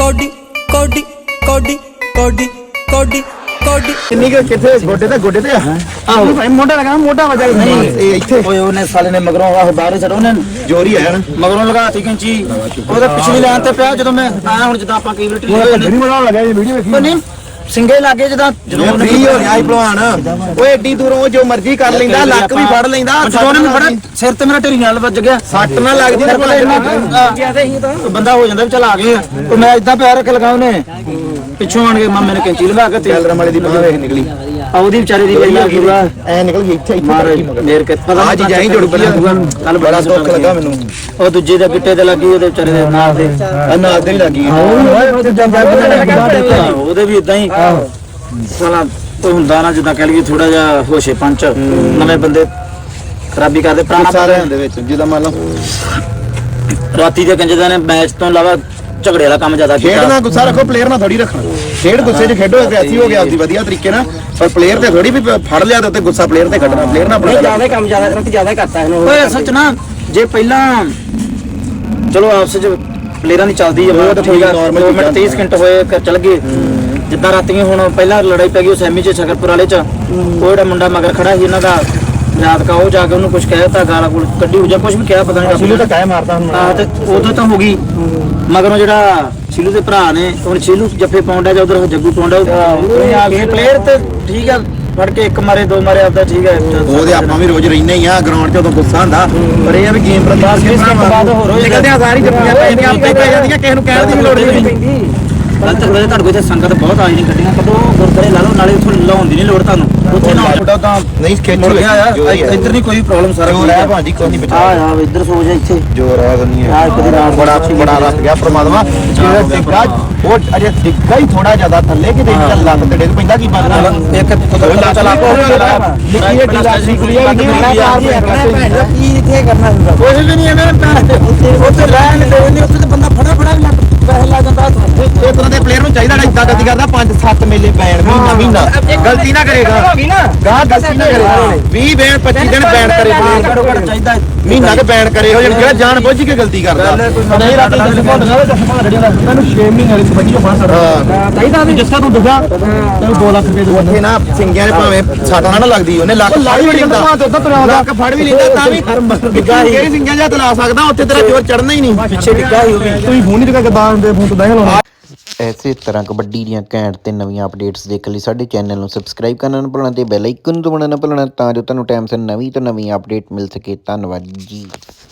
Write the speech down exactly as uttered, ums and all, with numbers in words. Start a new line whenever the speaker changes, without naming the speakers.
Cody ਕੋਡੀ ਕੋਡੀ ਕੋਡੀ ਕੋਡੀ ਕੋਡੀ
ਕਿੰਨੀ ਕੁ ਕਿੱਥੇ ਗੋਡੇ ਤੇ ਗੋਡੇ ਤੇ ਆਹੋ ਮੋਢਾ ਲਗਾ ਮੋਢਾ ਵਜਾ ਨਹੀਂ ਇਹ ਇੱਥੇ
ਓਏ ਉਹਨੇ ਸਾਲੇ ਨੇ ਮਗਰੋਂ ਆਹ ਬਾਹਰ ਛੱਡ ਉਹਨੇ
ਜੋਰੀ ਆਇਆ ਨਾ
ਮਗਰੋਂ ਲਗਾਤੀ ਕੈਂਚੀ ਉਹਦੇ ਪਿਛਲੀ ਲਾਈਨ ਤੇ ਪਿਆ ਜਦੋਂ ਮੈਂ ਆਇਆ ਹੁਣ ਜਿੱਦਾਂ ਆਪਾਂ ਕਈ ਵਾਰ ਢਿੱਲੇ
ਗੱਡੀ ਬਣਾਉਣ ਲੱਗਾ ਇਹ ਵੀਡੀਓ ਵੇਖੀ
ਨਹੀਂ ਸਿੰਗੇ ਲੱਗੇ ਜਦੋਂ ਜਦੋਂ ਉਹਨੇ
ਫ੍ਰੀ ਹੋ ਗਿਆ ਇਹ ਭਲਵਾਨ ਓਏ ਏਡੀ ਦੂਰੋਂ ਜੋ ਮਰਜ਼ੀ ਕਰ ਲੈਂਦਾ ਲੱਕ ਵੀ ਫੜ ਲੈਂਦਾ
ਜਦੋਂ ਉਹਨੇ ਫੜਾ ਸਿਰ ਤੇ ਮੇਰਾ ਢੇਰੀ ਨਾਲ ਵੱਜ ਗਿਆ
ਸੱਟ ਨਾ ਲੱਗਦੀ ਤੇ
ਬੰਦਾ ਹੋ ਜਾਂਦਾ ਵੀ ਚੱਲ ਆ ਗਏ ਤੇ ਮੈਂ ਇਦਾਂ ਪੈਰ ਰੱਖ ਲਗਾ ਉਹਨੇ ਪਿੱਛੋਂ ਆਣ ਕੇ ਮਾਮੇ ਨੇ ਕੈਂਚੀ ਲਗਾ ਕੇ
ਟੈਲਰ ਵਾਲੇ ਦੀ ਬਾਹ ਵੇਖ ਨਿਕਲੀ
ਆ ਉਹਦੀ ਵਿਚਾਰੇ ਦੀ ਪਹਿਲਾਂ ਪੂਰਾ
ਐ ਨਿਕਲ ਗਈ ਇੱਥੇ
ਮਾਰ ਮੇਰ ਕੇ ਪਤਾ
ਆ ਚੀਜ਼ਾਂ ਹੀ ਜੁੜ ਪਈਆਂ
ਕੱਲ
ਬੜਾ ਦੁੱਖ ਲੱਗਾ ਮੈਨੂੰ
ਉਹ ਦੂਜੇ ਦੇ ਗਿੱਟੇ ਤੇ ਲੱਗੀ ਉਹਦੇ ਵਿਚਾਰੇ ਦੇ ਨਾਲ ਦੇ
ਨਾਲ ਦੇ ਹੀ ਲੱਗੀ
ਉਹਦੇ ਵੀ ਇਦਾਂ ਹੀ ਸਾਲਾ ਕੋਈ ਹੁੰਦਾ ਨਾ ਜਿੱਦਾਂ ਕਹਿ ਲਈਏ ਥੋੜਾ ਜਿਹਾ ਹੋਸ਼ੇ ਪੰਚ ਨਵੇਂ ਬੰਦੇ ਖਰਾਬੀ ਕਰਦੇ ਪੁਰਾਣਾ
ਸਾਰਿਆਂ ਦੇ ਵਿੱਚ ਜਿਹਦਾ ਮੰਨ ਲਓ
ਰਾਤੀ ਦੇ ਕੰਜਦਾਂ ਨੇ ਮੈਚ ਤੋਂ ਇਲਾਵਾ ਝਗੜੇ ਵਾਲਾ ਕੰਮ ਜ਼ਿਆਦਾ ਕੀਤਾ
ਖੇਡਣਾ ਗੁੱਸਾ ਰੱਖੋ ਪਲੇਅਰ ਨਾਲ ਥੋੜੀ ਰੱਖਣਾ ਖੇਡ ਗੁੱਸੇ 'ਚ ਖੇਡੋ ਐਗਰੈਸਿਵ ਹੋ ਗਿਆ ਆਪਦੀ ਵਧੀਆ ਤਰੀਕੇ ਨਾਲ ਪਰ ਪਲੇਅਰ ਤੇ ਥੋੜੀ ਵੀ ਫੜ ਲਿਆ ਤੇ ਉੱਤੇ ਗੁੱਸਾ ਪਲੇਅਰ ਤੇ ਕੱਢਣਾ ਪਲੇਅਰ ਨਾਲ ਆਪਣਾ
ਜ਼ਿਆਦਾ ਕੰਮ ਜ਼ਿਆਦਾ ਕਰਤੀ ਜ਼ਿਆਦਾ ਕਰਤਾ ਇਹਨੂੰ ਓਏ ਅਸਲ 'ਚ ਨਾ ਜੇ ਪਹਿਲਾਂ ਚਲੋ ਆਪਸ 'ਚ ਪਲੇਅਰਾਂ ਦੀ ਚੱਲਦੀ ਹੈ ਤਾਂ ਠੀਕ ਆ ਦੋ ਮਿੰਟ ਤੀਹ ਸਕਿੰਟ ਹੋਏ ਚੱਲ ਗਏ ਜਿੱਦਾਂ ਰਾਤੀਆਂ ਹੁਣ ਪਹਿਲਾਂ ਲੜਾਈ ਪੈ ਗਈ ਉਹ ਸੈਮੀ 'ਚ ਸ਼ਕਰਪੁਰ ਵਾਲੇ 'ਚ ਉਹ ਜਿਹੜਾ ਮੁੰਡਾ ਮਗਰ ਖੜਾ ਸੀ ਇਹਨਾਂ ਦਾ ਯਾਦ ਕਾ ਉਹ ਜਾ ਕੇ ਉਹਨੂੰ ਕੁਝ ਕਹਿਤਾ ਗਾਲਾਂ ਕੋਲ ਕੱਢੀ ਹੋ ਜਾ ਕੁਝ ਵੀ ਕਿਹਾ ਪਤਾ ਨਹੀਂ
ਸ਼ੀਲੂ ਤਾਂ ਕਾਇ ਮਾਰਦਾ ਹੁਣ
ਹਾਂ ਤੇ ਉਦੋਂ ਤਾਂ ਹੋ ਗਈ ਮਗਰੋਂ ਜਿਹੜਾ ਸ਼ੀਲੂ ਦੇ ਭਰਾ ਨੇ ਹੁਣ ਸ਼ੀਲੂ ਜੱਫੇ ਪਾਉਂਦਾ ਜਾਂ ਉਧਰ ਜੱਗੂ ਪਾਉਂਦਾ ਇਹ ਪਲੇਅਰ ਤੇ ਠੀਕ ਆ ਫੜ ਕੇ ਇੱਕ ਮਾਰੇ ਦੋ ਮਾਰੇ ਆਪਦਾ ਠੀਕ ਹੈ
ਉਹਦੇ ਆਪਾਂ ਵੀ ਰੋਜ਼ ਰਹਿੰਦੇ ਹੀ ਆ ਗਰਾਊਂਡ 'ਚ ਉਦੋਂ ਗੁੱਸਾ ਹੁੰਦਾ ਪਰ ਇਹ ਆ ਵੀ ਗੇਮ ਪ੍ਰਤੀ ਨਿਕਲਦੇ ਆ ਸਾਰੀ ਜੱਫੀਆਂ ਪੈ ਜਾਂਦੀਆਂ ਆਪੇ ਪੈ ਜਾਂਦੀਆਂ ਕਿਸੇ ਨੂੰ ਕਹਿਣ ਦੀ ਲੋੜ ਨਹੀਂ ਪੈਂਦੀ
ਕੱਲ ਤੱਕ ਤੁਹਾਡੇ ਕੋਲ ਇੱਥੇ ਸੰਗਤ ਬਹੁਤ ਆਈ ਨਹੀਂ ਗੱਡੀਆਂ ਕਦੋਂ ਗੁਰਦੁਆਰੇ ਲਾ ਲਓ ਨਾਲੇ ਉੱਥੋਂ ਲਾਉਣ ਦੀ ਨਹੀਂ ਲੋੜ ਤੁਹਾਨੂੰ ਉੱਥੇ ਨਾ ਤੁਹਾਡਾ ਤਾਂ
ਨਹੀਂ ਖੇਚ
ਮੁੜ ਗਿਆ ਆ ਇੱਧਰ ਨਹੀਂ ਕੋਈ ਪ੍ਰੋਬਲਮ ਸਾਰਾ
ਜੋਰ ਹੈ ਭਾਜੀ ਕੋਈ ਨਹੀਂ ਬਚਾ
ਆ ਆ ਇੱਧਰ ਸੋ ਜਾ ਇੱਥੇ
ਜੋਰ ਹੈ ਨਹੀਂ ਹੈ
ਆ ਕਦੀ ਰਾਤ
ਬੜਾ ਬੜਾ ਰੱਖ ਗਿਆ ਪ੍ਰਮਾਤਮਾ ਜਿਹੜਾ ਡਿੱਗਾ ਉਹ ਅਜੇ ਡਿੱਗਾ ਹੀ ਥੋੜਾ ਜ਼ਿਆਦਾ ਥੱਲੇ ਕਿ ਦੇਖ ਚੱਲ ਲੱਤ ਤੇ ਡਿੱਗ ਪੈਂਦਾ ਕੀ ਬਣਦਾ
ਇੱਕ ਚਲਾ
ਨਿੱਕੀ ਇਹ ਢੀਲਾ ਨਿਕਲੀ ਹੈ
ਕੀ ਇੱਥੇ ਕਰਨਾ ਹੁੰਦਾ ਕੁਝ ਵੀ ਨਹੀਂ ਐਵੇਂ ਉੱਥੇ ਰਹਿਣ ਦੇ ਨਹੀਂ ਉੱਥੇ ਤੇ ਬੰਦਾ ਫੜਾ ਫੜਾ ਵੀ ਲੱਗ ਪੈਸੇ ਲਾ ਜਾਂਦਾ
ਇਹ ਤਰ੍ਹਾਂ ਦੇ ਪਲੇਅਰ ਨੂੰ ਚਾਹੀਦਾ ਇਦਾਂ ਗਲਤੀ ਕਰਦਾ ਪੰਜ ਸੱਤ ਮੇਲੇ ਬੈਨ ਮਹੀਨਾ ਮਹੀਨਾ ਗਲਤੀ ਨਾ ਕਰੇਗਾ ਗਾਹ ਗਲਤੀ ਨਾ ਕਰੇਗਾ ਵੀਹ ਬੈਨ ਪੱਚੀ ਦਿਨ ਬੈਨ ਕਰੇ ਪਲੇਅਰ
ਚਾਹੀਦਾ
ਮਹੀਨਾ ਕੇ ਬੈਨ ਕਰੇ ਹੋ ਜਿਹੜਾ ਜਾਣ ਬੁੱਝ ਕੇ ਗਲਤੀ ਕਰਦਾ ਨਹੀਂ ਰਾਤੀ ਦਸ ਭੁੱਲਣਾ ਤੇ ਦਸ ਭੁੱਲ ਜਿਹੜਾ ਮੈਨੂੰ ਛੇ ਮਹੀਨੇ ਵਾਲੀ ਬੱਚੀ ਨੂੰ ਫਾਸ ਸਕਦਾ ਚਾਹੀਦਾ ਵੀ ਜਿਸਕਾ ਤੂੰ ਦੱਸਿਆ ਤੈਨੂੰ ਦੋ ਲੱਖ ਰੁਪਏ ਦੇ ਉੱਥੇ ਨਾ ਸਿੰਗਿਆਂ ਦੇ ਭਾਵੇਂ ਸੱਟ ਨਾ ਲੱਗਦੀ ਉਹਨੇ ਲੱਖ ਫੜ ਵੀ ਲੈਂਦਾ ਲੱਖ ਫੜ ਵੀ ਲੈਂਦਾ ਤਾਂ ਵੀ ਡਿੱਗਾ ਹੀ ਕਿਹੜੀ ਸਿੰਗਿਆਂ ਜਾਂ ਤਲਾ ਸਕਦਾ ਉੱਥੇ ਤੇਰਾ ਜ਼ੋਰ ਚੜਨਾ ਹੀ ਨਹੀਂ
ਪਿੱਛੇ ਡਿੱਗਾ ਹੀ ਉਹ ਵੀ
ਤੁਸੀਂ ਫੋਨ ਨਹੀਂ ਕਰਦਾ ਬਾਹਰ ਦੇ ਫੋਨ ਤੋਂ ਬਹਿ ਲਾਉਣਾ
ਇਸੇ ਤਰ੍ਹਾਂ ਕਬੱਡੀ ਦੀਆਂ ਘੈਂਟ ਤੇ ਨਵੀਆਂ ਅਪਡੇਟਸ ਦੇਖਣ ਲਈ ਸਾਡੇ ਚੈਨਲ ਨੂੰ ਸਬਸਕ੍ਰਾਈਬ ਕਰਨਾ ਨਾ ਭੁੱਲਣਾ ਤੇ ਬੈਲ ਆਈਕਨ ਨੂੰ ਦਬਾਉਣਾ ਨਾ ਭੁੱਲਣਾ ਤਾਂ ਜੋ ਤੁਹਾਨੂੰ ਟਾਈਮ ਸਿਰ ਨਵੀਂ ਤੋਂ ਨਵੀਂ ਅਪਡੇਟ ਮਿਲ ਸਕੇ। ਧੰਨਵਾਦ ਜੀ।